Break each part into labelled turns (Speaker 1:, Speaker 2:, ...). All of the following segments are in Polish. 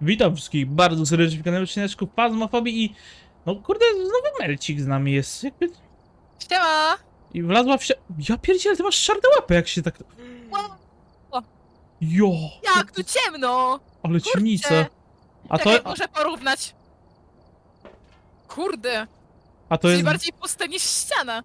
Speaker 1: Witam wszystkich bardzo serdecznie w kanale odcineczku Phasmophobia i... No kurde, znowu Melcik z nami jest, jakby...
Speaker 2: Siema!
Speaker 1: I wlazła w się... Ja pierdzielę, ty masz czarne łapy, jak się tak...
Speaker 2: O.
Speaker 1: Jo!
Speaker 2: Jak tu ciemno!
Speaker 1: Ale ciemnica. A
Speaker 2: Czekaj,
Speaker 1: to...
Speaker 2: muszę porównać. Kurde,
Speaker 1: A to
Speaker 2: jest
Speaker 1: jest...
Speaker 2: bardziej puste niż ściana.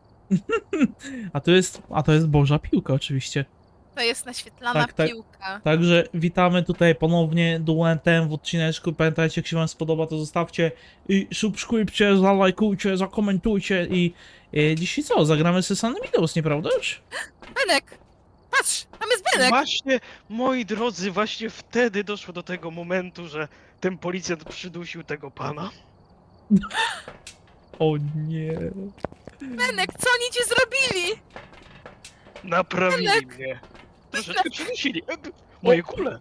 Speaker 1: A to jest Boża piłka oczywiście.
Speaker 2: To jest naświetlana
Speaker 1: Tak.
Speaker 2: piłka.
Speaker 1: Także witamy tutaj ponownie Duentem w odcineczku. Pamiętajcie, jak się wam spodoba, to zostawcie i subskrypcie, zalajkujcie, zakomentujcie i... Dzisiaj co? Zagramy sobie San Windows, nieprawdaż?
Speaker 2: Benek! Patrz, tam jest Benek!
Speaker 3: Właśnie, moi drodzy, właśnie wtedy doszło do tego momentu, że ten policjant przydusił tego pana.
Speaker 1: O nie...
Speaker 2: Benek, co oni ci zrobili?
Speaker 3: Naprawili
Speaker 2: Benek!
Speaker 3: mnie. Troszeczkę przydusili. Moje kule.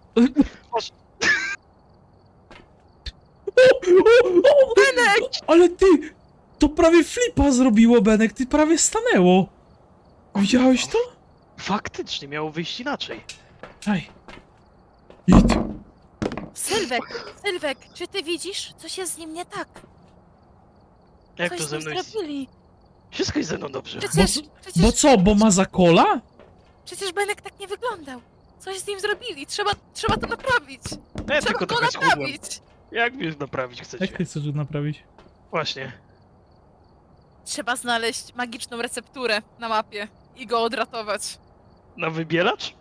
Speaker 1: Benek! Ale ty! To prawie flipa zrobiło, Benek, ty prawie stanęło. Widziałeś to?
Speaker 3: Faktycznie miało wyjść inaczej.
Speaker 1: Aj. Idź.
Speaker 2: Sylwek, czy ty widzisz? Coś jest z nim nie tak.
Speaker 3: Jak
Speaker 2: Coś
Speaker 3: to
Speaker 2: z
Speaker 3: ze
Speaker 2: nim
Speaker 3: mną jest?
Speaker 2: zrobili.
Speaker 3: Wszystko jest ze mną dobrze.
Speaker 1: Bo co, bo ma zakola?
Speaker 2: Przecież Benek tak nie wyglądał. Coś z nim zrobili, trzeba to naprawić.
Speaker 3: Ja
Speaker 2: Trzeba
Speaker 3: tylko
Speaker 2: to
Speaker 3: trochę schudłem.
Speaker 2: naprawić.
Speaker 3: Jak mnie naprawić
Speaker 1: Jak
Speaker 3: chcecie?
Speaker 1: ty chcesz to naprawić?
Speaker 3: Właśnie.
Speaker 2: Trzeba znaleźć magiczną recepturę na mapie i go odratować.
Speaker 3: Na wybielacz?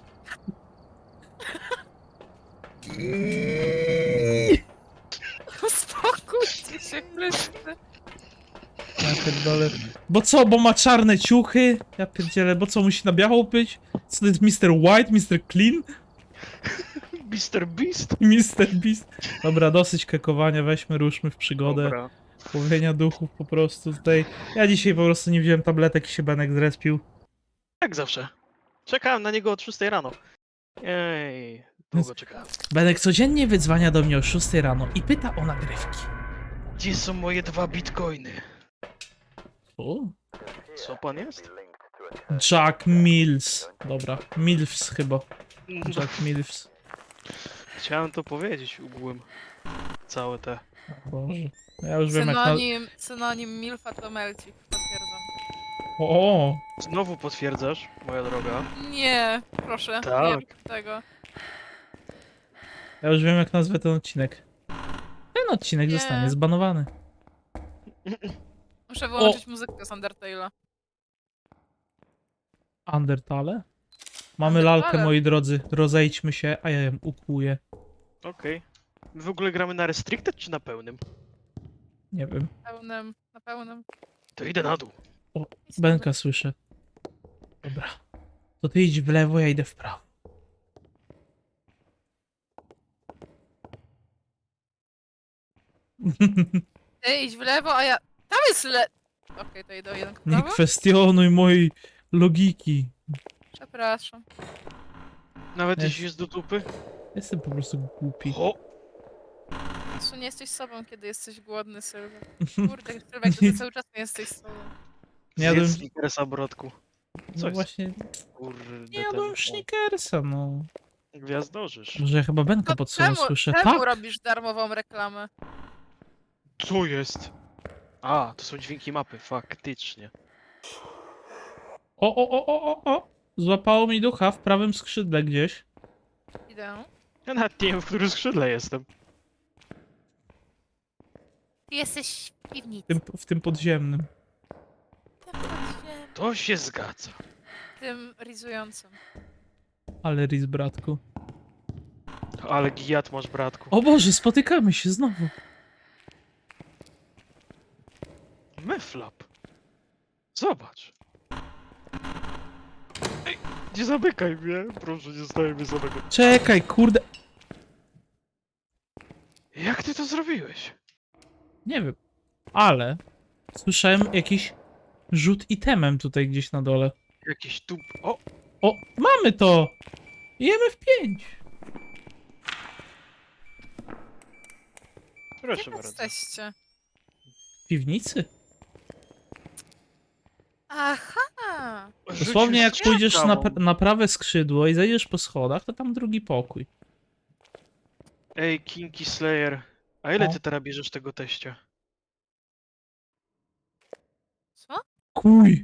Speaker 2: Uspokójcie się, Chryste.
Speaker 1: Ja pierdolę. Bo co, bo ma czarne ciuchy? Ja pierdzielę, bo co, musi na biało być? Co to jest Mr. White, Mr. Clean?
Speaker 3: Mr. Beast?
Speaker 1: Mr. Beast? Dobra, dosyć kekowania, weźmy, ruszmy w przygodę.
Speaker 3: Dobra.
Speaker 1: Łowienia duchów po prostu tutaj. Ja dzisiaj po prostu nie wziąłem tabletek i się Benek zrespił.
Speaker 3: Jak zawsze. Czekałem na niego od 6 rano. Ej, długo czekałem.
Speaker 1: Benek codziennie wydzwania do mnie o 6 rano i pyta o nagrywki.
Speaker 3: Gdzie są moje 2 bitcoiny?
Speaker 1: O?
Speaker 3: Co pan jest?
Speaker 1: Jack Mills. Dobra, Milfs chyba. Jack Milfs.
Speaker 3: Chciałem to powiedzieć ugłem. Całe te.
Speaker 1: Boże. Ja już wiem jak na...
Speaker 2: Synonim Milfa to Melcik, potwierdzam.
Speaker 1: O!
Speaker 3: Znowu potwierdzasz, moja droga.
Speaker 2: Nie, proszę,
Speaker 3: Tak.
Speaker 2: nie rób tego.
Speaker 1: Ja już wiem jak nazwę ten odcinek. Ten odcinek
Speaker 2: Nie.
Speaker 1: zostanie zbanowany.
Speaker 2: Muszę wyłączyć muzykę z Undertale'a.
Speaker 1: Undertale? Mamy
Speaker 2: Undertale.
Speaker 1: lalkę, moi drodzy. Rozejdźmy się, a ja ją ukuję.
Speaker 3: Okej. My w ogóle gramy na restricted czy na pełnym?
Speaker 1: Nie wiem.
Speaker 2: Na pełnym.
Speaker 3: To idę na dół.
Speaker 1: Benka słyszę. Dobra. To ty idź w lewo, ja idę w prawo.
Speaker 2: Ty idź w lewo, a ja... Tam jest Okej, to idę o jeden
Speaker 1: Nie
Speaker 2: prawo?
Speaker 1: kwestionuj mojej logiki.
Speaker 2: Przepraszam.
Speaker 3: Nawet
Speaker 1: Jest.
Speaker 3: jeśli jest do dupy.
Speaker 1: Jestem po prostu głupi.
Speaker 3: O!
Speaker 2: Czy nie jesteś sobą, kiedy jesteś głodny, Sylwek? Kurde, Sylwek, ty cały czas nie jesteś sobą.
Speaker 1: Nie jadłem...
Speaker 3: Zjedz Snickersa, brodku.
Speaker 1: No
Speaker 3: Co jest?
Speaker 1: właśnie,
Speaker 3: Kurde,
Speaker 1: nie jadłem Snickersa, no.
Speaker 3: Gwiazdorzysz.
Speaker 1: Może ja chyba Benka
Speaker 2: To
Speaker 1: pod sobą słyszę.
Speaker 2: czemu
Speaker 1: Tak!
Speaker 2: robisz darmową reklamę?
Speaker 3: Co jest? A, to są dźwięki mapy, faktycznie.
Speaker 1: O! Złapało mi ducha w prawym skrzydle gdzieś.
Speaker 2: Idę.
Speaker 3: Ja nawet nie wiem, w którym skrzydle jestem.
Speaker 2: Ty jesteś w piwnicy.
Speaker 1: W tym podziemnym.
Speaker 3: To się zgadza.
Speaker 2: Tym rizującym.
Speaker 1: Ale Riz, bratku.
Speaker 3: Ale gijat masz, bratku.
Speaker 1: O Boże, spotykamy się znowu.
Speaker 3: Meflap. Zobacz. Ej, nie zamykaj mnie. Proszę, nie zostaje mnie samego.
Speaker 1: Czekaj, kurde.
Speaker 3: Jak ty to zrobiłeś?
Speaker 1: Nie wiem. Ale słyszałem jakiś rzut itemem tutaj gdzieś na dole.
Speaker 3: Jakiś tu... O!
Speaker 1: O, mamy to! Jemy w 5.
Speaker 3: Proszę
Speaker 2: Gdzie
Speaker 3: bardzo.
Speaker 2: jesteście?
Speaker 1: W piwnicy?
Speaker 2: Aha!
Speaker 1: Dosłownie jak
Speaker 3: Rzucił
Speaker 1: pójdziesz
Speaker 3: strzałą.
Speaker 1: na prawe skrzydło i zejdziesz po schodach, to tam drugi pokój.
Speaker 3: Ej, Kinky Slayer. A ile
Speaker 1: No.
Speaker 3: ty teraz bierzesz tego teścia?
Speaker 2: Co?
Speaker 1: Kuj!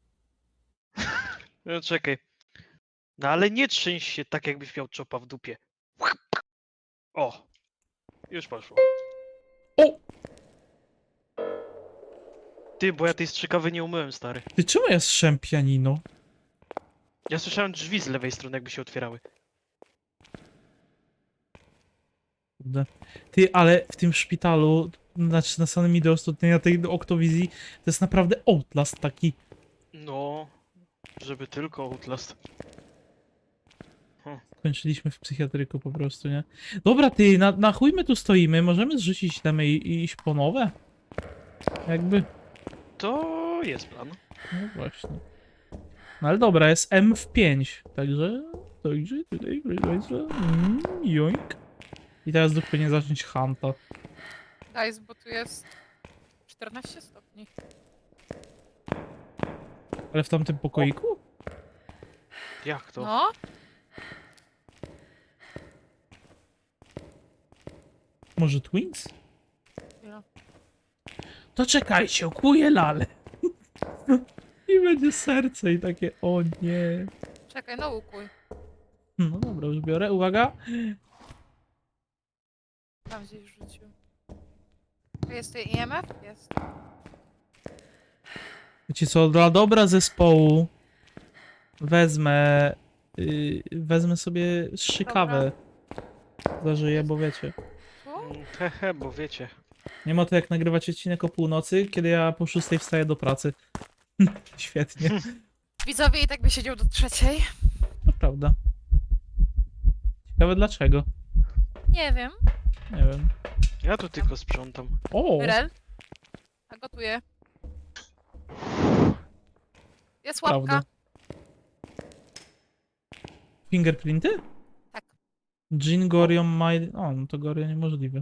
Speaker 3: No czekaj. No ale nie trzęś się tak, jakbyś miał czopa w dupie. O! Już poszło.
Speaker 1: O!
Speaker 3: Ty, bo ja tej strzykawy nie umyłem, stary.
Speaker 1: Ty czemu ja strzem pianino?
Speaker 3: Ja słyszałem drzwi z lewej strony, jakby się otwierały.
Speaker 1: Kurde. Ty, ale w tym szpitalu, znaczy na samym Midos, tutaj na tej Octowizji, to jest naprawdę Outlast taki.
Speaker 3: No, żeby tylko Outlast.
Speaker 1: Kończyliśmy w psychiatryku po prostu, nie? Dobra, ty, na chuj my tu stoimy, możemy zrzucić temy i iść po nowe? Jakby,
Speaker 3: To jest plan.
Speaker 1: no właśnie. No ale dobra, jest M w 5, także tutaj, proszę państwa, joink. I teraz duch powinien zacząć hunta.
Speaker 2: Guys, bo tu jest 14 stopni.
Speaker 1: Ale w tamtym pokoiku?
Speaker 3: Jak to?
Speaker 2: No,
Speaker 1: Może Twins?
Speaker 2: Ja.
Speaker 1: To czekajcie, okuję lalę. I będzie serce i takie, o nie.
Speaker 2: Czekaj, no ukuj.
Speaker 1: No dobra, już biorę, uwaga.
Speaker 2: Tam gdzieś rzucił. Jest tu IMF? Jest.
Speaker 1: Wiecie co, dla dobra zespołu wezmę, wezmę sobie strzykawę. Zażyję, bo wiecie.
Speaker 2: Tu?
Speaker 3: Hehe, bo wiecie.
Speaker 1: Nie ma to jak nagrywać odcinek o północy, kiedy ja po 6 wstaję do pracy. Świetnie,
Speaker 2: Widzowie i tak by siedział do 3.
Speaker 1: to prawda. Ciekawe dlaczego.
Speaker 2: Nie wiem.
Speaker 1: Nie wiem.
Speaker 3: Ja tu tylko sprzątam.
Speaker 1: O!
Speaker 2: Rel? A gotuję. Jest łapka.
Speaker 1: Prawda. Fingerprinty?
Speaker 2: Tak.
Speaker 1: Jean Gorion My... O, no to Gorion niemożliwe.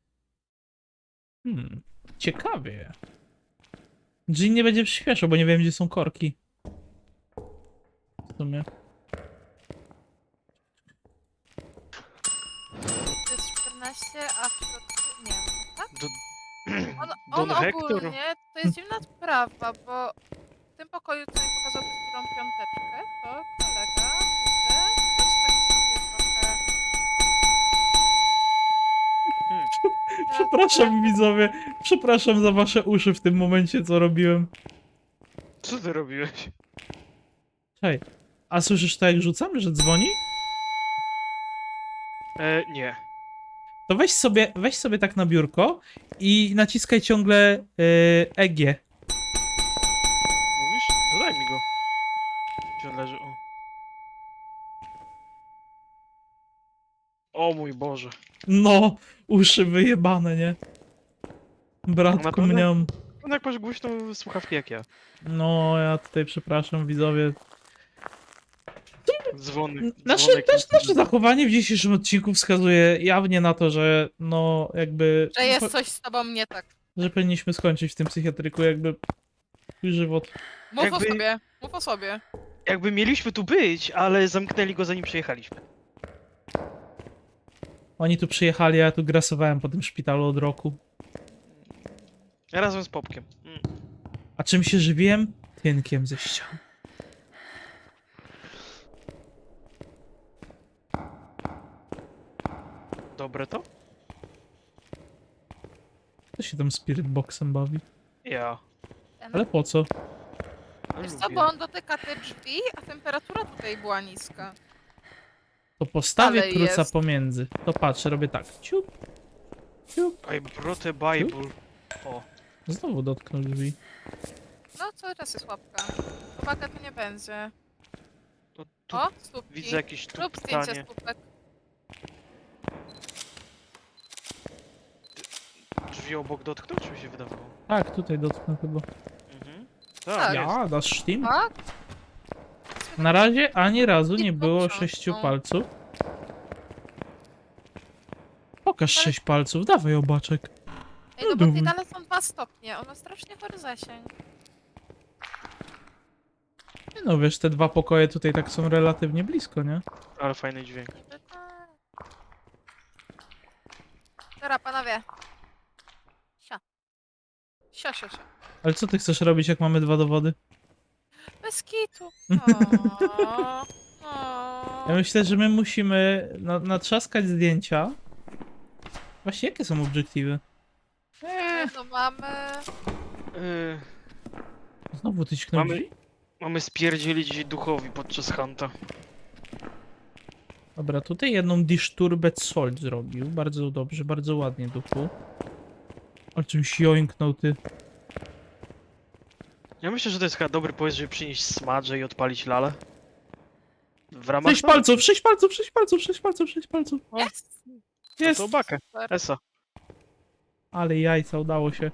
Speaker 1: Ciekawie. Jean nie będzie przyspieszał, bo nie wiem, gdzie są korki. W sumie.
Speaker 2: To jest 14, a w środku... Nie, tak?
Speaker 3: Do...
Speaker 2: On
Speaker 3: Don Hector?
Speaker 2: ogólnie to jest dziwna sprawa, bo w tym pokoju, co mi pokazał przed chwilą piąteczkę, to kolega tutaj też tak sobie trochę...
Speaker 1: Przepraszam widzowie, przepraszam za wasze uszy w tym momencie, co robiłem.
Speaker 3: Co ty robiłeś?
Speaker 1: Hej, a słyszysz to jak rzucam, że dzwoni?
Speaker 3: Nie.
Speaker 1: To weź sobie tak na biurko i naciskaj ciągle EG.
Speaker 3: Mówisz? Dodaj mi go. Gdzie on leży? O mój Boże.
Speaker 1: No, uszy wyjebane, nie? Bratku
Speaker 3: Naprawdę?
Speaker 1: mniam.
Speaker 3: No jak masz głośną słuchawki jak ja.
Speaker 1: No, ja tutaj przepraszam widzowie.
Speaker 3: Dzwonek.
Speaker 1: Nasze zachowanie w dzisiejszym odcinku wskazuje jawnie na to, że no jakby...
Speaker 2: Że jest coś z tobą nie tak.
Speaker 1: Że powinniśmy skończyć w tym psychiatryku, jakby... Twój żywot.
Speaker 2: Mów
Speaker 3: Jakby-
Speaker 2: o sobie, mów o sobie.
Speaker 3: Jakby mieliśmy tu być, ale zamknęli go zanim przyjechaliśmy.
Speaker 1: Oni tu przyjechali, a ja tu grasowałem po tym szpitalu od roku.
Speaker 3: Razem z Popkiem.
Speaker 1: A czym się żywiłem? Tynkiem ze ścian.
Speaker 3: Dobre to?
Speaker 1: Kto się tam Spirit Boxem bawi?
Speaker 3: Ja.
Speaker 1: Ale po co?
Speaker 2: Wiesz co,
Speaker 3: Lubię.
Speaker 2: bo on dotyka te drzwi, a temperatura tutaj była niska.
Speaker 1: To postawię
Speaker 2: Ale
Speaker 1: kruca
Speaker 2: jest.
Speaker 1: pomiędzy. To patrz, robię tak. Ciup. Ciup.
Speaker 3: I brought a Bible. O.
Speaker 1: Znowu dotknął drzwi.
Speaker 2: No, cały czas jest łapka. Uwaga, to nie będzie.
Speaker 3: To tu
Speaker 2: O, stópki.
Speaker 3: widzę jakieś tu
Speaker 2: Rób zdjęcie
Speaker 3: pytanie.
Speaker 2: stópek.
Speaker 3: Drzwi obok dotknął, czy mi się wydawało?
Speaker 1: Tak, tutaj dotknął chyba.
Speaker 3: Mhm.
Speaker 2: Tak.
Speaker 3: Tak, jest.
Speaker 1: Ja, dasz Steam?
Speaker 2: Tak?
Speaker 1: Na razie ani razu nie
Speaker 2: I
Speaker 1: było
Speaker 2: książką.
Speaker 1: 6 palców. Pokaż 6 palców, dawaj obaczek.
Speaker 2: Ej, no bo
Speaker 1: dobra.
Speaker 2: tutaj dalej są 2 stopnie. On ma strasznie chory zasięg.
Speaker 1: No wiesz, te dwa pokoje tutaj tak są relatywnie blisko, nie?
Speaker 3: Ale fajny dźwięk.
Speaker 2: Niby tak. Dobra, panowie. Sio. Sio, sio, sio.
Speaker 1: Ale co ty chcesz robić, jak mamy 2 dowody?
Speaker 2: Bez kitu.
Speaker 1: Ja myślę, że my musimy natrzaskać zdjęcia. Właśnie, jakie są obiektywy?
Speaker 2: No mamy...
Speaker 3: Yy,
Speaker 1: Znowu ty ćknął
Speaker 3: mamy,
Speaker 1: drzwi?
Speaker 3: mamy spierdzielić duchowi podczas hunta.
Speaker 1: Dobra, tutaj jedną Disturbed Soul zrobił. Bardzo dobrze, bardzo ładnie, duchu. O czymś joinknął ty.
Speaker 3: Ja myślę, że to jest chyba dobry pomysł, żeby przynieść smadże i odpalić lalę. W ramach
Speaker 1: 6 palców, 6 palców, 6 palców, 6 palców, 6 palców.
Speaker 2: Jest!
Speaker 1: Jest!
Speaker 3: To bakę.
Speaker 2: Super.
Speaker 3: Esa.
Speaker 1: Ale jajca, udało się.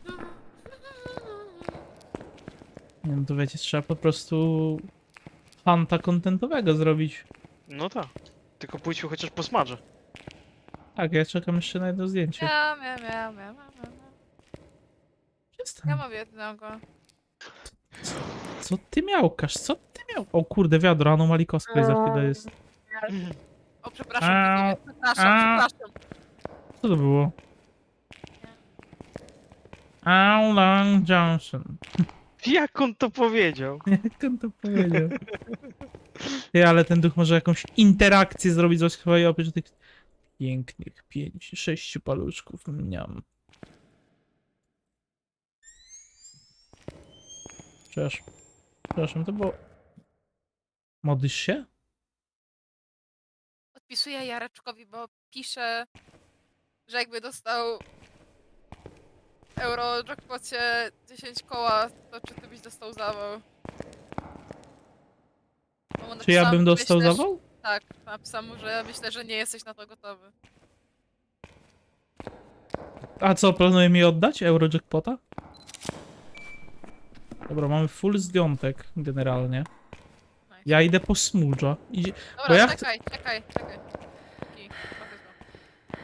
Speaker 1: Nie no to wiecie, trzeba po prostu fanta kontentowego zrobić.
Speaker 3: No tak. Tylko pójdźmy chociaż po smadże.
Speaker 1: Tak, ja czekam jeszcze na jedno zdjęcie.
Speaker 2: Ja
Speaker 1: Przestań.
Speaker 2: mam jednego.
Speaker 1: Co ty miałkasz? Co ty miał? O kurde, wiadro, Anomaly Cosplay za chwilę jest.
Speaker 2: O, przepraszam,
Speaker 1: Au.
Speaker 2: przepraszam.
Speaker 1: Co to było? Alan Johnson.
Speaker 3: Jak on to powiedział?
Speaker 1: Jak on to powiedział? Ty, ale ten duch może jakąś interakcję zrobić z chyba oprócz tych pięknych 5-6 paluszków. Mniam. Przepraszam, to było... Modlisz się?
Speaker 2: Odpisuję Jareczkowi, bo pisze, że jakby dostał euro jackpocie 10 koła, to czy ty byś dostał zawał? Bo mu
Speaker 1: Czy ja
Speaker 2: napisałam,
Speaker 1: bym dostał
Speaker 2: myślę, że-
Speaker 1: zawał?
Speaker 2: Tak, napisałam mu, że myślę, że nie jesteś na to gotowy.
Speaker 1: A co, planuje mi oddać Eurojackpota? Dobra, mamy full zdjątek generalnie.
Speaker 2: Nice.
Speaker 1: Ja idę po smudża. Idzie...
Speaker 2: Dobra,
Speaker 1: bo ja
Speaker 2: czekaj. Taki, trochę zło.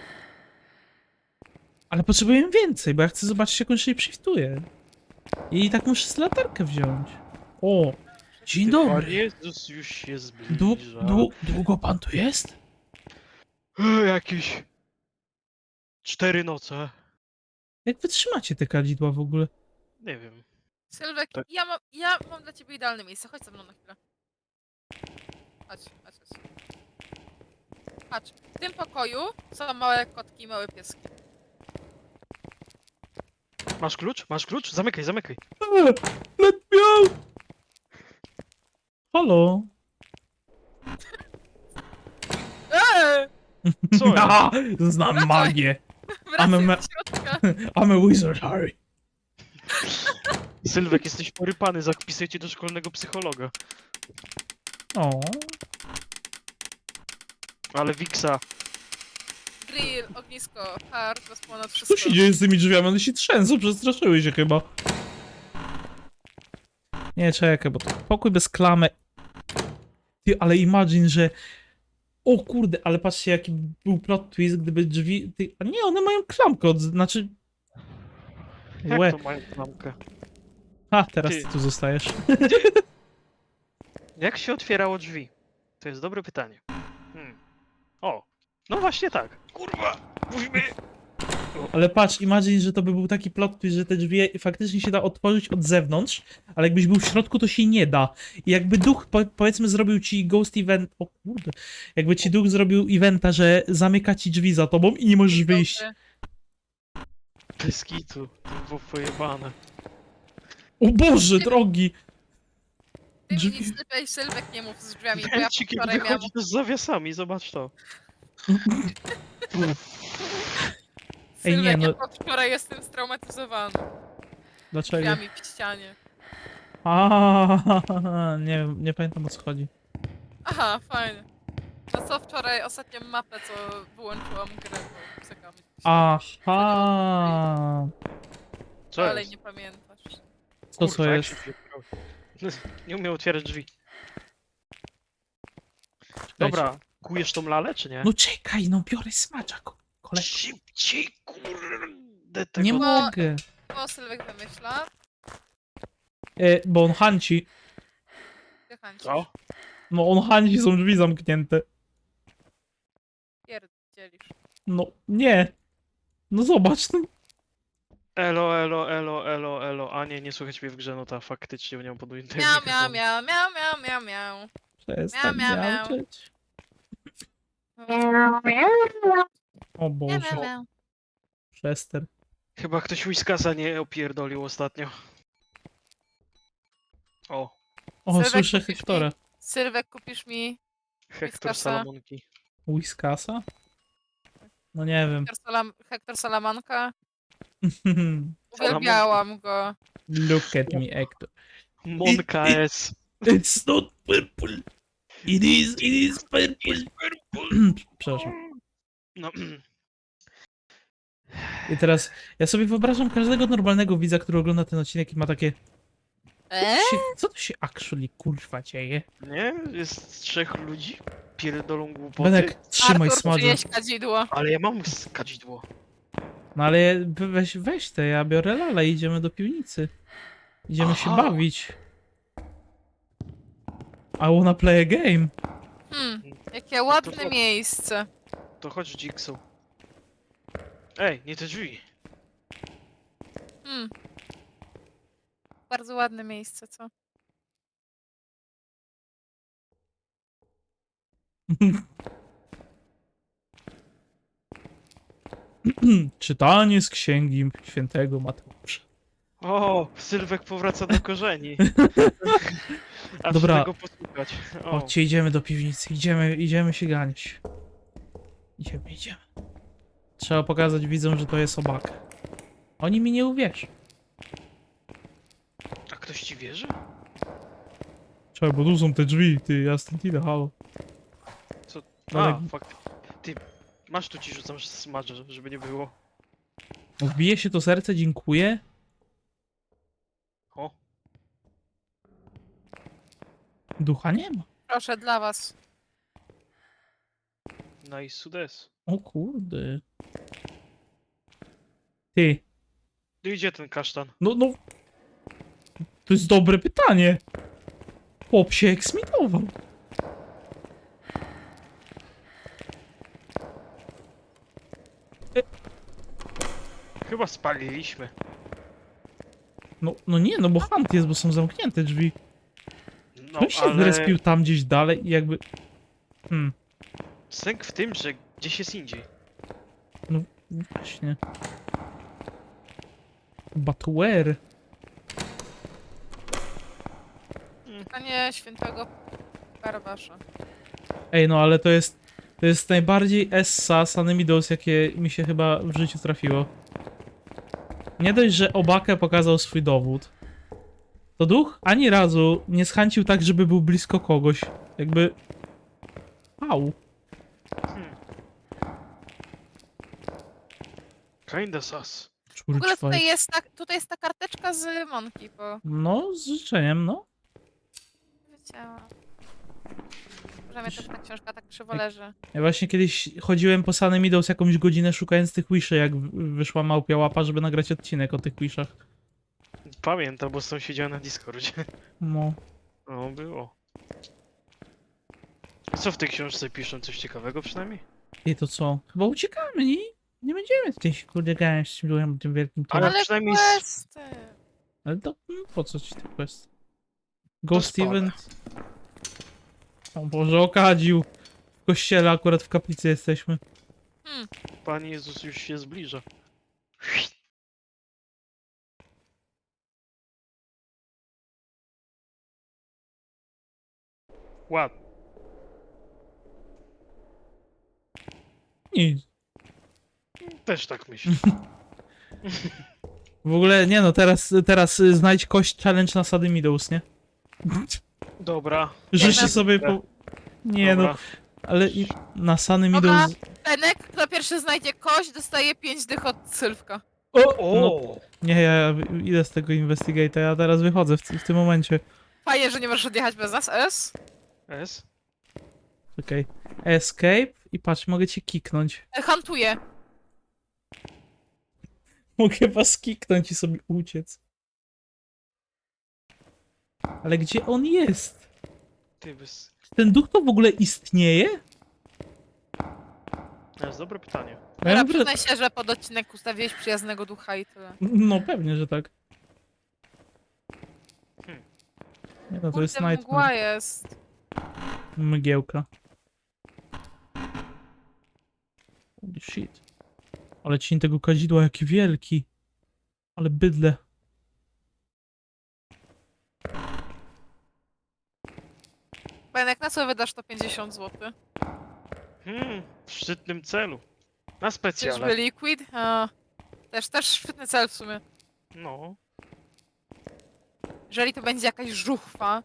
Speaker 1: Ale potrzebuję więcej, bo ja chcę zobaczyć, jak on się shiftuje. I tak muszę z latarkę wziąć. O, dzień
Speaker 3: Pan
Speaker 1: dobry.
Speaker 3: Jezus już się zbliża.
Speaker 1: Długo pan tu jest?
Speaker 3: Jakieś 4 noce.
Speaker 1: Jak wytrzymacie te kadzidła w ogóle?
Speaker 3: Nie wiem.
Speaker 2: Sylwek,
Speaker 3: Tak.
Speaker 2: ja mam dla ciebie idealne miejsce. Chodź ze mną na chwilę. Chodź. Patrz, w tym pokoju są małe kotki i małe pieski.
Speaker 3: Masz klucz? Masz klucz? Zamykaj.
Speaker 1: Let me out! Halo?
Speaker 3: Co jest?
Speaker 1: Aha, znam magię.
Speaker 2: Wracaj
Speaker 1: me-
Speaker 2: do środka.
Speaker 1: I'm a wizard, Harry.
Speaker 3: Sylwek, jesteś porypany, zapisuję cię do szkolnego psychologa.
Speaker 1: O,
Speaker 3: Ale Wiksa.
Speaker 2: Grill, ognisko, hard, bez ponad wszystko.
Speaker 1: co się dzieje z tymi drzwiami? One się trzęsą, przestraszyły się chyba. Nie, czekaj, bo to pokój bez klamy. Ty, ale imagine, że... O kurde, ale patrzcie, jaki był plot twist, gdyby drzwi... Ty... A nie, one mają klamkę, znaczy...
Speaker 3: Jak
Speaker 1: Łe.
Speaker 3: to mają klamkę?
Speaker 1: A, teraz
Speaker 3: Ty.
Speaker 1: ty tu zostajesz.
Speaker 3: Jak się otwierało drzwi? To jest dobre pytanie. O, no właśnie tak. Kurwa, musimy...
Speaker 1: Ale patrz, imagine, że to by był taki plot twist, że te drzwi faktycznie się da otworzyć od zewnątrz, ale jakbyś był w środku, to się nie da. I jakby duch, powiedzmy, zrobił ci ghost event... O kurde. Jakby ci duch zrobił eventa, że zamyka ci drzwi za tobą i nie możesz wyjść.
Speaker 2: Dobry.
Speaker 3: Bez kitu, to było pojebane.
Speaker 1: O Boże, drogi!
Speaker 2: Ty mi
Speaker 1: Drzwi.
Speaker 2: nic lepiej Sylwek nie mów z drzwiami, bo ja
Speaker 3: Węcik jak
Speaker 2: wczoraj miałam...
Speaker 3: wychodzi to z zawiasami, zobacz to.
Speaker 1: Ej, nie,
Speaker 2: Sylwek,
Speaker 1: no-
Speaker 2: ja wczoraj jestem straumatyzowany.
Speaker 1: Dlaczego?
Speaker 2: Drzwiami w ścianie.
Speaker 1: A, nie pamiętam, o co chodzi.
Speaker 2: Aha, fajnie. No co wczoraj, ostatnią mapę, co wyłączyłam grę, bo psykam.
Speaker 1: Aha.
Speaker 3: Co
Speaker 2: Ale
Speaker 3: jest?
Speaker 2: nie pamiętasz.
Speaker 1: Co
Speaker 3: Kurwa, jak
Speaker 1: jest?
Speaker 3: się otwierało? Nie umiem otwierać drzwi. Dobra, kujesz tą lalę, czy nie?
Speaker 1: No czekaj, no biorę smacza, kolego.
Speaker 3: Szybciej, kurde.
Speaker 1: Nie
Speaker 3: tego-
Speaker 1: mogę.
Speaker 2: O, Sylwek wymyśla.
Speaker 1: Bo on hanci.
Speaker 2: Wychęci.
Speaker 3: Co?
Speaker 1: No on hanci, są drzwi zamknięte.
Speaker 2: Pierdzielisz.
Speaker 1: No, nie. No zobacz, no.
Speaker 3: Elo, elo, elo, elo, elo. A nie, nie słychać mnie w grze, no ta faktycznie nie mam podujętego
Speaker 2: Miau, miau,
Speaker 3: mikrofonu.
Speaker 2: miau, miau, miau, miau, miau.
Speaker 1: Przestań
Speaker 2: Miau, miau, miau.
Speaker 1: miauczeć.
Speaker 2: Miau,
Speaker 1: O
Speaker 2: miau,
Speaker 1: Boże,
Speaker 2: miau.
Speaker 1: przestań.
Speaker 3: Chyba ktoś Whiskasa nie opierdolił ostatnio. O,
Speaker 1: O,
Speaker 2: Sylwek,
Speaker 1: słyszę
Speaker 2: kupisz
Speaker 1: Hektora.
Speaker 2: Sylwek, kupisz mi
Speaker 3: Hektor
Speaker 2: Whiskasa.
Speaker 3: Salamonki.
Speaker 1: Whiskasa? No nie wiem.
Speaker 2: Hektor Salamanka?
Speaker 3: Salamonki.
Speaker 2: Uwielbiałam go.
Speaker 1: Look at me, Hector.
Speaker 3: Monka S.
Speaker 1: It's not purple. It is purple. Przepraszam.
Speaker 3: No,
Speaker 1: I teraz ja sobie wyobrażam każdego normalnego widza, który ogląda ten odcinek i ma takie... Co to się actually kurwa dzieje?
Speaker 3: nie? Jest 3 ludzi? Pierdolą głupoty.
Speaker 1: Benek, trzymaj
Speaker 2: Artur,
Speaker 1: smadze.
Speaker 2: przynieś kadzidło.
Speaker 3: Ale ja mam kadzidło.
Speaker 1: No ale weź te, ja biorę lala i idziemy do piwnicy. Idziemy się
Speaker 3: Aha.
Speaker 1: bawić. I wanna play a game.
Speaker 2: Jakie ładne
Speaker 3: to-
Speaker 2: miejsce.
Speaker 3: To chodź Jigsaw. Ej, nie te drzwi.
Speaker 2: Bardzo ładne miejsce, co?
Speaker 1: Czytanie z księgi świętego Mateusza.
Speaker 3: O, Sylwek powraca do korzeni. Aż
Speaker 1: Dobra.
Speaker 3: tego posłuchać. O,
Speaker 1: Chodźcie, idziemy do piwnicy. Idziemy się ganiać. Idziemy. Trzeba pokazać widzom, że to jest obaka. Oni mi nie uwierzą.
Speaker 3: a ktoś ci wierzy?
Speaker 1: Czekaj, bo tu są te drzwi, ty, ja stąd idę, halo.
Speaker 3: A,
Speaker 1: Ale-
Speaker 3: fakt. Ty, masz tu ci rzucam smadżę, żeby nie było.
Speaker 1: Wbije się to serce, dziękuję.
Speaker 3: O,
Speaker 1: Ducha nie ma.
Speaker 2: Proszę, dla was.
Speaker 3: nice sudes.
Speaker 1: O kurde. Ty,
Speaker 3: Tu idzie ten kasztan.
Speaker 1: no. To jest dobre pytanie. Chłop się eksmitował.
Speaker 3: Chyba spaliliśmy.
Speaker 1: No nie, no bo hunt jest, bo są zamknięte drzwi.
Speaker 3: No,
Speaker 1: On się
Speaker 3: ale
Speaker 1: zrespił tam gdzieś dalej i jakby...
Speaker 3: sęk w tym, że gdzieś jest indziej.
Speaker 1: Właśnie. But where?
Speaker 2: Panie świętego Barabasza.
Speaker 1: Ej, no ale to jest najbardziej Essa Sanemidos, jakie mi się chyba w życiu trafiło. Nie dość, że Obakę pokazał swój dowód, to duch ani razu nie schęcił tak, żeby był blisko kogoś. Jakby... Au.
Speaker 3: Kinda sus.
Speaker 2: W ogóle
Speaker 1: Czurczwaj.
Speaker 2: tutaj jest ta karteczka z Monki, bo
Speaker 1: No, z życzeniem, no.
Speaker 2: wiedziałam. Że mnie też ta książka tak krzywo leży.
Speaker 1: Ja właśnie kiedyś chodziłem po Sanemidos jakąś godzinę szukając tych wiszy, jak wyszła małpia łapa, żeby nagrać odcinek o tych wishach.
Speaker 3: Pamiętam, bo z tą siedziałem na Discordzie.
Speaker 1: No.
Speaker 3: No, było. A co w tej książce piszą? Coś ciekawego przynajmniej?
Speaker 1: I to co? Chyba uciekamy, nie? Nie będziemy tutaj się kurde gania z tym duchem, tym wielkim
Speaker 3: Ale
Speaker 1: tym.
Speaker 2: Ale
Speaker 3: przynajmniej
Speaker 2: questy!
Speaker 1: Ale to po co ci ten quest? Ghost
Speaker 3: spada.
Speaker 1: Event. O Boże, okadził. W kościele akurat w kaplicy jesteśmy.
Speaker 3: Pan Jezus już się zbliża. Ładnie.
Speaker 1: Nic.
Speaker 3: Też tak myślę.
Speaker 1: W ogóle, nie no, teraz znajdź kość challenge na Sady Meadows, nie?
Speaker 3: Dobra.
Speaker 1: Życzę
Speaker 2: na-
Speaker 1: sobie po... Nie no,
Speaker 3: Dobra.
Speaker 1: ale na Sady
Speaker 2: Dobra.
Speaker 1: Meadows...
Speaker 2: Benek, kto pierwszy znajdzie kość, dostaje 5 dych od Sylwka.
Speaker 1: O! No,
Speaker 3: O!
Speaker 1: nie, ja idę z tego Investigate'a, ja teraz wychodzę w tym momencie.
Speaker 2: Fajnie, że nie możesz odjechać bez nas, S.
Speaker 3: S?
Speaker 1: Czekaj. Escape i patrz, mogę cię kiknąć.
Speaker 2: Hantuję.
Speaker 1: Mogę was kiknąć i sobie uciec. Ale gdzie on jest?
Speaker 3: Ty bez...
Speaker 1: Czy ten duch to w ogóle istnieje?
Speaker 3: To jest dobre pytanie.
Speaker 1: Ja
Speaker 2: Dobra,
Speaker 1: mam wra-
Speaker 2: przyznaj się, że pod odcinek ustawiłeś przyjaznego ducha i tyle.
Speaker 1: No pewnie, że tak.
Speaker 3: Hmm.
Speaker 1: Nie no, to jest
Speaker 2: Kurde, mgła
Speaker 1: Nightmare.
Speaker 2: jest.
Speaker 1: Mgiełka. Holy shit. Ale cień tego kadzidła, jaki wielki. Ale bydle.
Speaker 2: Benek, na co wydasz to 50 zł?
Speaker 3: W szczytnym celu. Na specjale.
Speaker 2: Czyżby liquid? A, też szczytny cel w sumie.
Speaker 3: No.
Speaker 2: Jeżeli to będzie jakaś żuchwa,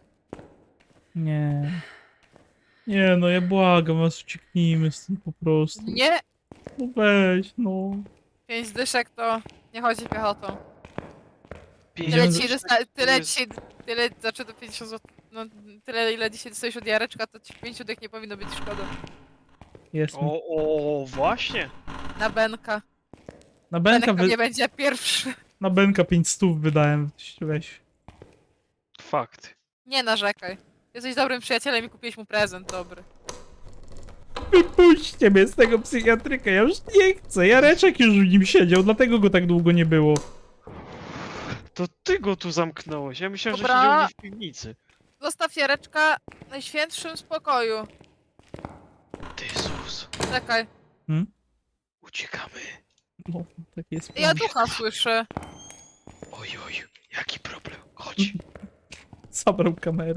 Speaker 1: Nie. Nie no, ja błagam was, ucieknijmy stąd po prostu.
Speaker 2: nie,
Speaker 1: No weź, no.
Speaker 2: 5 dyszek to nie chodzi piechotą. Tyle
Speaker 1: Idziemy
Speaker 2: dzisiaj,
Speaker 3: Pieniądze-
Speaker 2: tyle
Speaker 3: jest-
Speaker 2: dzisiaj, tyle, znaczy do 50 zł, no tyle ile dzisiaj dostajesz od Jareczka, to ci 5 dych nie powinno być szkoda.
Speaker 1: Jest.
Speaker 3: O, właśnie.
Speaker 2: Na Benka.
Speaker 1: Na Benka,
Speaker 2: Benek nie będzie pierwszy.
Speaker 1: na Benka 500 wydałem. Weź.
Speaker 3: Fakt.
Speaker 2: Nie narzekaj. Jesteś dobrym przyjacielem i kupiłeś mu prezent dobry.
Speaker 1: Wypuśćcie mnie z tego psychiatryka, ja już nie chcę. Jareczek już w nim siedział, dlatego go tak długo nie było.
Speaker 3: To ty go tu zamknąłeś. Ja myślałem,
Speaker 2: Dobra.
Speaker 3: że siedział gdzieś w piwnicy.
Speaker 2: Zostaw Jareczka w najświętszym spokoju.
Speaker 3: Ty Jezus.
Speaker 2: Czekaj.
Speaker 3: Uciekamy.
Speaker 1: No, tak jest.
Speaker 2: Ja
Speaker 1: plan.
Speaker 2: ducha słyszę.
Speaker 3: Oj, jaki problem. Chodź.
Speaker 1: Zabrał kamerę.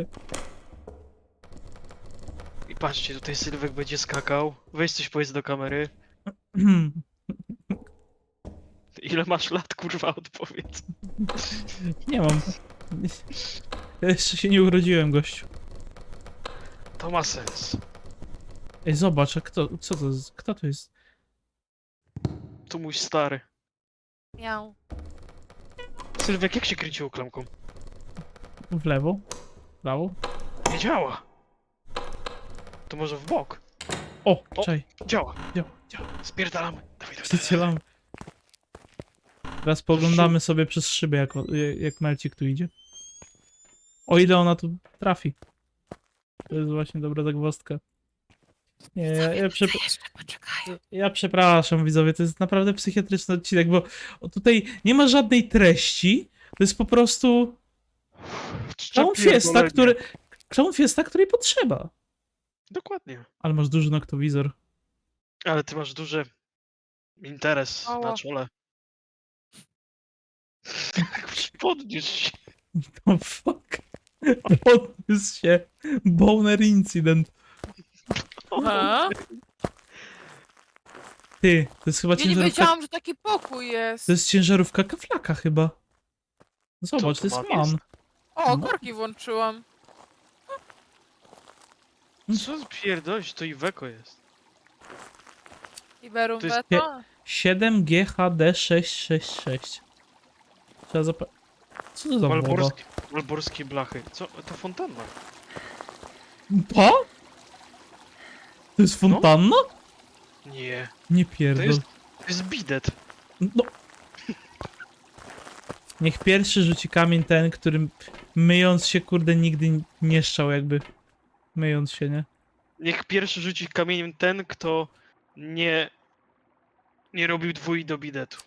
Speaker 3: I patrzcie, tutaj Sylwek będzie skakał. Weź coś powiedz do kamery. Ile masz lat, kurwa, odpowiedz.
Speaker 1: Nie mam. Ja jeszcze się nie urodziłem, gościu.
Speaker 3: To ma sens.
Speaker 1: Ej, zobacz, a kto, co to jest? Kto to jest?
Speaker 3: Tu mój stary.
Speaker 2: Miał.
Speaker 3: Sylwek, jak się kręciło klamką?
Speaker 1: W lewo? W prawo?
Speaker 3: Nie działa. To może w bok.
Speaker 1: O,
Speaker 3: O.
Speaker 1: czaj.
Speaker 3: Działa.
Speaker 1: Działa.
Speaker 3: Spierdalamy. Dawaj.
Speaker 1: Przycielam. Teraz poglądamy sobie przez szybę, jak Melcik tu idzie. O ile ona tu trafi. To jest właśnie dobra zagwozdka. Nie,
Speaker 2: Jeszcze poczekaj.
Speaker 1: ja przepraszam widzowie, to jest naprawdę psychiatryczny odcinek, bo tutaj nie ma żadnej treści. To jest po prostu clown fiesta, której potrzeba.
Speaker 3: Dokładnie.
Speaker 1: Ale masz duży noktowizor.
Speaker 3: Ale ty masz duży interes
Speaker 2: Ała.
Speaker 3: na czole. Podniósł się.
Speaker 1: Oh fuck. Podniósł się. Boner incydent.
Speaker 2: Aha.
Speaker 1: Ty, to jest chyba
Speaker 2: Ja nie
Speaker 1: ciężarówka.
Speaker 2: wiedziałam, że taki pokój jest.
Speaker 1: To jest ciężarówka kaflaka chyba. Zobacz,
Speaker 3: Co
Speaker 1: to
Speaker 3: to
Speaker 1: jest
Speaker 3: ma
Speaker 1: man.
Speaker 2: O,
Speaker 1: No.
Speaker 2: korki włączyłam.
Speaker 3: Co pierdolisz, to Iweko jest.
Speaker 2: Iberum
Speaker 3: To jest
Speaker 2: Veto.
Speaker 1: 7GHD666. Trzeba Co to za woda?
Speaker 3: Malborskie blachy. Co? To fontanna.
Speaker 1: Pa? To jest fontanna?
Speaker 3: Nie.
Speaker 1: Nie
Speaker 3: To
Speaker 1: pierdol.
Speaker 3: jest bidet.
Speaker 1: No. Niech pierwszy rzuci kamień ten, którym myjąc się, kurde, nigdy nie szczał jakby. Myjąc się, nie?
Speaker 3: Niech pierwszy rzuci kamieniem ten, kto nie robił dwój do bidetu.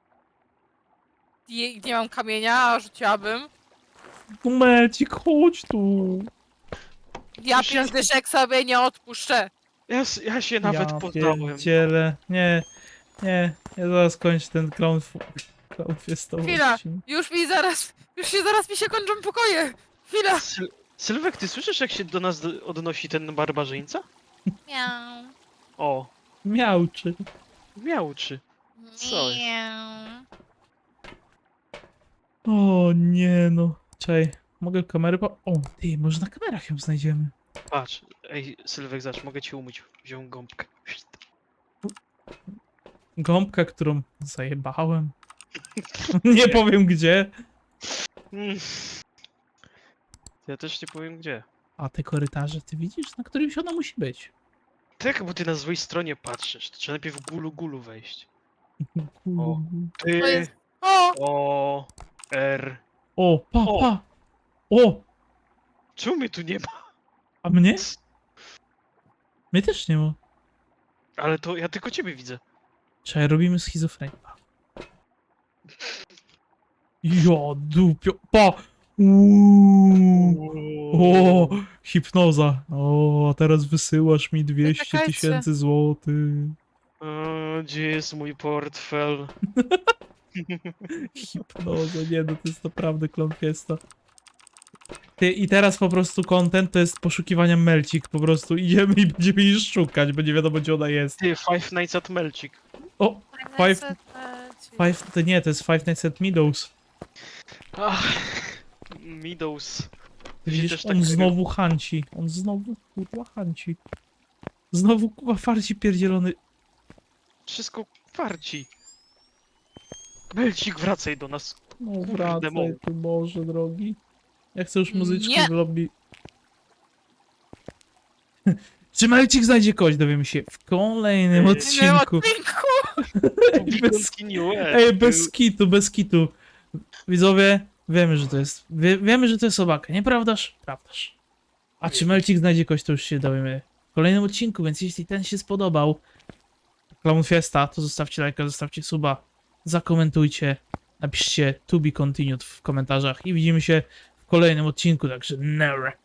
Speaker 2: Nie mam kamienia, a rzuciłabym.
Speaker 1: Momencik, chodź tu.
Speaker 2: Ja
Speaker 3: Już jest-
Speaker 2: 5 dyszek sobie nie odpuszczę.
Speaker 3: Ja się nawet
Speaker 1: Ja
Speaker 3: poddałem.
Speaker 1: pierdzielę. Nie. Ja zaraz kończę ten clown fiestowy
Speaker 2: Chwila.
Speaker 1: odcinek.
Speaker 2: Już mi się kończą pokoje. Chwila.
Speaker 3: Sylwek, ty słyszysz, jak się do nas odnosi ten barbarzyńca?
Speaker 2: Miau.
Speaker 3: O,
Speaker 1: Miałczy.
Speaker 3: miałczy. Co jest?
Speaker 2: Miau.
Speaker 1: O nie no. Czekaj, mogę kamerę O, ty, może na kamerach ją znajdziemy.
Speaker 3: Patrz, ej, Sylwek, zacz, mogę ci umyć. Wziąłem gąbkę.
Speaker 1: Gąbka, którą zajebałem. Nie powiem gdzie.
Speaker 3: Mm. Ja też nie powiem gdzie.
Speaker 1: A te korytarze, ty widzisz? Na którymś ona musi być.
Speaker 3: Tak, bo ty na złej stronie patrzysz. To trzeba najpierw gulu wejść.
Speaker 1: O,
Speaker 2: To
Speaker 3: Ty,
Speaker 2: jest... O!
Speaker 3: O, R.
Speaker 1: pa,
Speaker 3: O.
Speaker 1: pa. O,
Speaker 3: Czemu mnie tu nie ma?
Speaker 1: a mnie? Mnie też nie ma.
Speaker 3: Ale to ja tylko ciebie widzę.
Speaker 1: Czekaj, robimy schizofrenię. Ja dupio. Pa! O, hipnoza. O, a teraz wysyłasz mi 200
Speaker 2: Czekajcie.
Speaker 1: 000 złotych.
Speaker 3: Gdzie jest mój portfel?
Speaker 1: Hipnoza, nie no, to jest naprawdę klątwiesta. Ty, i teraz po prostu content to jest poszukiwania Melcik, po prostu idziemy i będziemy jej szukać, bo nie wiadomo gdzie ona jest.
Speaker 3: Ty, Five Nights at Melcik.
Speaker 1: O, to nie, to jest Five Nights at Meadows.
Speaker 3: Ach, Meadows.
Speaker 1: Widzisz,
Speaker 3: też
Speaker 1: on
Speaker 3: tak-
Speaker 1: znowu hanci. On znowu kurwa hanci. Znowu kurwa farci pierdzielony.
Speaker 3: Wszystko warci. Melcik, wracaj do nas.
Speaker 1: No
Speaker 3: Kurde,
Speaker 1: wracaj
Speaker 3: mąż.
Speaker 1: tu Boże drogi. Ja chcę już muzyczki
Speaker 2: Nie.
Speaker 1: w lobby. Czy Melcik znajdzie kogoś, dowiemy się w kolejnym
Speaker 3: Nie
Speaker 1: odcinku. Ej, bez, ej, bez kitu. Widzowie, wiemy, że to jest. Wiemy, że to jest sobaka, nieprawdaż? Prawdaż. A czy Melcik znajdzie kogoś, to już się dowiemy w kolejnym odcinku, więc jeśli ten się spodobał, Clown Fiesta, to zostawcie lajka, zostawcie suba, zakomentujcie, napiszcie to be continued w komentarzach i widzimy się w kolejnym odcinku, także never.